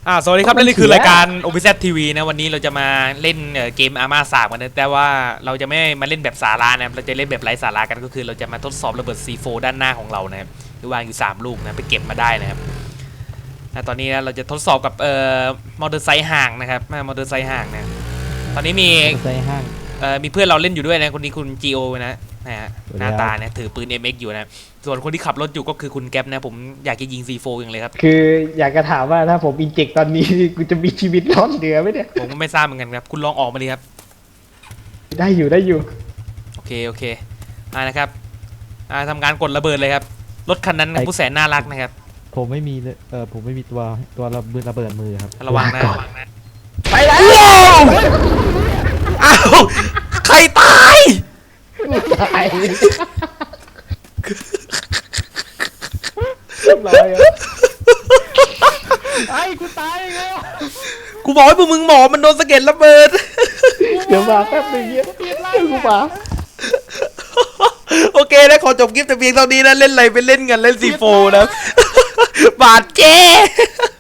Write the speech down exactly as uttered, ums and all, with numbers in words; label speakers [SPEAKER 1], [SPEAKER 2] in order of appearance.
[SPEAKER 1] อ่าสวัสดีครับและนี่คือรายการ โอ พี แซด ที วี นะวันนี้เราจะมาเล่นเกมอาร์มาสามกันนะแต่ว่าเราจะไม่มาเล่นแบบสาระนะครับเราจะเล่นแบบไร้สาระกันก็คือเราจะมาทดสอบระเบิด ซี โฟร์ ด้านหน้าของเรานะครับที่วางอยู่สามลูกนะไปเก็บมาได้นะครับตอนนี้นะเราจะทดสอบกับเอ่อมอเตอร์ไซค์ห่างนะครับมอเตอร์ไซค์ห่างนะตอนนี้มีมอเตอร์ไซค์ห่างเอ่อมีเพื่อนเราเล่นอยู่ด้วยนะคนนี้คุณ จี โอ นะนะฮะหน้าตาเนี่ยถือปืน เอ็ม เอ็กซ์ อยู่นะส่วนคนที่ขับรถอยู่ก็คือคุณแก๊ปนะผมอยากจะยิง ซี โฟร์ อย่างเลยครับ
[SPEAKER 2] คืออยากจะถามว่าถ้าผมอินเจกตอนนี้กูจะมีชีวิตรอดเหลือไหมเนี่ย
[SPEAKER 1] ผมก็ไม่ทราบเหมือนกันครับคุณลองออกมาเลยครับ
[SPEAKER 2] ได้อยู่ได้อยู่
[SPEAKER 1] โอเคโอเคอ่านะครับอ่าทำการกดระเบิดเลยครับรถคันนั้นผู้แสนน่ารักนะครับ
[SPEAKER 3] ผมไม่มีเออผมไม่มีตัวตัวระเบิดระเบิดมือครับ
[SPEAKER 1] ระวังนะ
[SPEAKER 2] ไปแล้ว
[SPEAKER 1] อ้าวใครตาย
[SPEAKER 2] ตายเรียบร้อยอ่ะ
[SPEAKER 3] ไอ้กูตายแล้ว
[SPEAKER 1] กูบอกให้พวกมึงหมอมันโดนสะเก็ดระเบิด
[SPEAKER 2] เดี๋ยวมาแป๊บนึงเงี้ยเดี๋ยวกูมา
[SPEAKER 1] โอเคนะขอจบคลิปแต่เพียงเท่านี้นะเล่นอะไรไปเล่นกันเล่นซีโฟนะบาดเจ็บ